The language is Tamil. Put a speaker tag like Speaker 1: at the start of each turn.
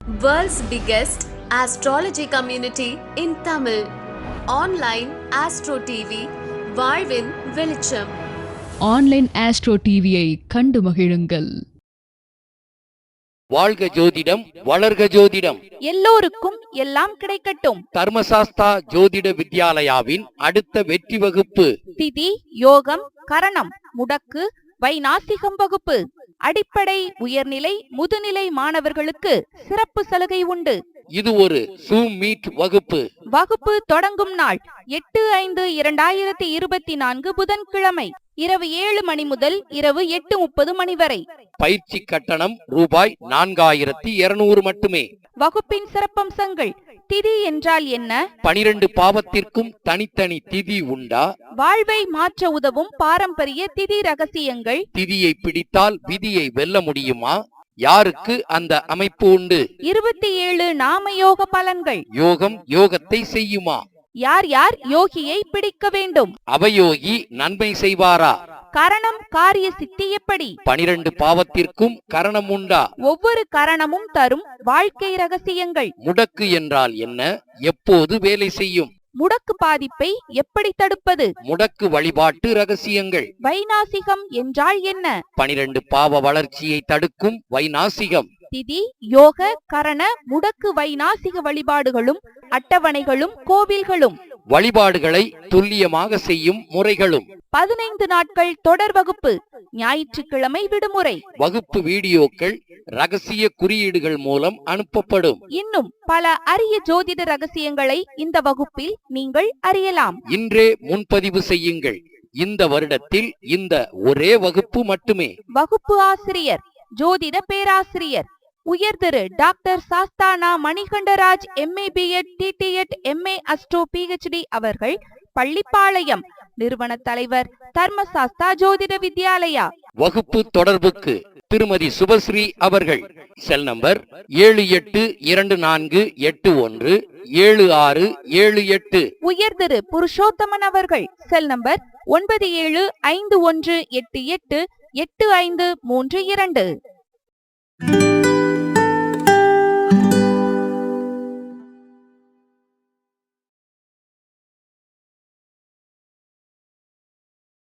Speaker 1: World's biggest astrology community in Tamil. Online Astro TV, வாழ்வின் வெளிச்சம்.
Speaker 2: ஆன்லைன் ஆஸ்ட்ரோ டிவியை கண்டு மகிழுங்கள்.
Speaker 3: வாழ்க ஜோதிடம், வளர்க ஜோதிடம்,
Speaker 4: எல்லோருக்கும் எல்லாம் கிடைக்கட்டும்.
Speaker 3: தர்மசாஸ்தா ஜோதிட வித்யாலயாவின் அடுத்த வெற்றி வகுப்பு
Speaker 4: திதி, யோகம், கரணம், முடக்கு, வைநாசிகம் வகுப்பு. அடிப்படை, உயர்நிலை, முதுநிலை மாணவர்களுக்கு சிறப்பு சலுகை உண்டு.
Speaker 3: இது ஒரு Zoom மீட் வகுப்பு.
Speaker 4: வகுப்பு தொடங்கும் நாள் 8/5/2024 புதன்கிழமை இரவு 7 மணி முதல் இரவு 8:30 மணி வரை.
Speaker 3: பயிற்சி கட்டணம் ரூபாய் 4200 மட்டுமே.
Speaker 4: வகுப்பின் சிறப்பம்சங்கள்: திதி என்றால் என்ன?
Speaker 3: 12 பாவத்திற்கும் தனித்தனி திதி உண்டா?
Speaker 4: வாழ்வை மாற்ற உதவும் பாரம்பரிய திதி ரகசியங்கள்.
Speaker 3: திதியை பிடித்தால் விதியை வெல்ல முடியுமா? யாருக்கு அந்த அமைப்பு உண்டு?
Speaker 4: 27 நாமயோக பலன்கள்.
Speaker 3: யோகம் யோகத்தை செய்யுமா?
Speaker 4: யார் யார் யோகியை பிடிக்க வேண்டும்?
Speaker 3: அவயோகி நன்மை செய்வாரா?
Speaker 4: கரணம் காரிய சித்தி எப்படி?
Speaker 3: 12 பாவத்திற்கும் கரணம் உண்டா?
Speaker 4: ஒவ்வொரு கரணமும் தரும் வாழ்க்கை ரகசியங்கள்.
Speaker 3: முடக்கு என்றால் என்ன? எப்போது வேலை செய்யும்?
Speaker 4: முடக்கு பாதிப்பை எப்படி தடுப்பது?
Speaker 3: முடக்கு வழிபாட்டு ரகசியங்கள்.
Speaker 4: வைநாசிகம் என்றால் என்ன?
Speaker 3: 12 பாவ வளர்ச்சியை தடுக்கும் வைநாசிகம்.
Speaker 4: திதி, யோக, கரண, முடக்கு வைநாசிக வழிபாடுகளும் அட்டவணைகளும் கோவில்களும்.
Speaker 3: வழிபாடுகளை துல்லியமாக செய்யும் முறைகளும்.
Speaker 4: 15 நாட்கள் தொடர் வகுப்பு. ஞாயிற்றுக்கிழமை விடுமுறை.
Speaker 3: வகுப்பு வீடியோக்கள் ரகசிய குறியீடுகள் மூலம் அனுப்பப்படும்.
Speaker 4: இன்னும் பல அரிய ஜோதிட ரகசியங்களை இந்த வகுப்பில் நீங்கள் அறியலாம்.
Speaker 3: இன்றே முன்பதிவு செய்யுங்கள். இந்த வருடத்தில் இந்த ஒரே வகுப்பு மட்டுமே.
Speaker 4: வகுப்பு ஆசிரியர் ஜோதிட பேராசிரியர் உயர்திரு doctor Sasthana Manikandaraj MA B.Ed TTED MA astro PhD அவர்கள், பள்ளிப்பாளையம். நிறுவன தலைவர் தர்மசாஸ்தா ஜோதிட வித்யாலயா.
Speaker 3: வகுப்பு தொடர்புக்கு திருமதி சுபஸ்ரீ அவர்கள். Cell number 7824817678.
Speaker 4: உயர்திரு புருஷோத்தமன் அவர்கள். Cell number 9751888532.